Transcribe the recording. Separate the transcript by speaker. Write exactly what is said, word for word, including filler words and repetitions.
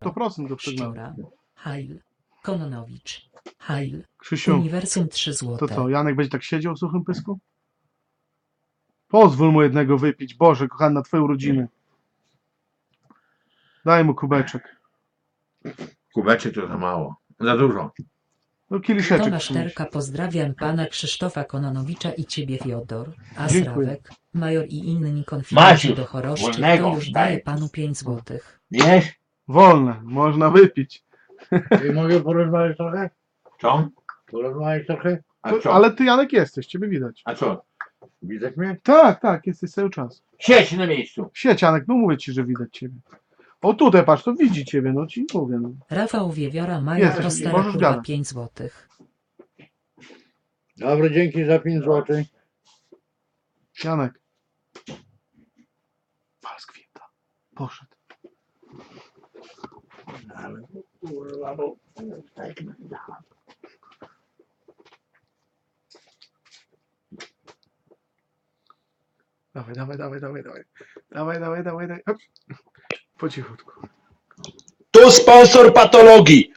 Speaker 1: sto procent go przegnałem.
Speaker 2: Szczura. Heil. Kononowicz. Heil.
Speaker 1: Krzysiu,
Speaker 2: Uniwersum trzy złote.
Speaker 1: to co, Janek będzie tak siedział w suchym pysku? Pozwól mu jednego wypić. Boże, kochany, na twoje urodziny. Daj mu kubeczek.
Speaker 3: Kubeczek to za mało. Za dużo.
Speaker 1: No kieliszeczek.
Speaker 2: Tomasz
Speaker 1: przynieś.
Speaker 2: Terka, pozdrawiam pana Krzysztofa Kononowicza i ciebie, Fiodor, a
Speaker 1: Dziękuję.
Speaker 2: Srawek, Major i inni konfidenci
Speaker 3: Maciuś,
Speaker 2: do choroszczy,
Speaker 3: wolnego,
Speaker 2: to już
Speaker 3: daj.
Speaker 2: daje panu pięć złotych.
Speaker 3: Wiesz?
Speaker 1: Wolne, można wypić.
Speaker 4: I mogę porozmawiać trochę?
Speaker 3: Co?
Speaker 4: Porozmawiać trochę?
Speaker 3: A
Speaker 1: To,
Speaker 3: co?
Speaker 1: ale ty, Janek, jesteś, ciebie widać.
Speaker 3: A co?
Speaker 4: Widać mnie?
Speaker 1: Tak, tak, jesteś cały czas.
Speaker 3: Siedź na miejscu.
Speaker 1: Siedź, Janek, no mówię ci, że widać ciebie. O tutaj, patrz, to widzi ciebie, no ci mówię. No.
Speaker 2: Rafał Wiewiora, Major
Speaker 1: Jesteś,
Speaker 2: Prostera,
Speaker 1: możesz
Speaker 2: kurwa,
Speaker 1: gadać.
Speaker 2: pięć złotych.
Speaker 4: Dobra, dzięki za pięć złotych.
Speaker 1: Janek. Wal z kwinta. Poszedł.
Speaker 4: Ale kurwa, bo...
Speaker 1: Dawaj, dawaj, dawaj, dawaj, dawaj. Dawaj, dawaj, dawaj, dawaj. Hop. Po cichutku.
Speaker 5: Tu sponsor patologii.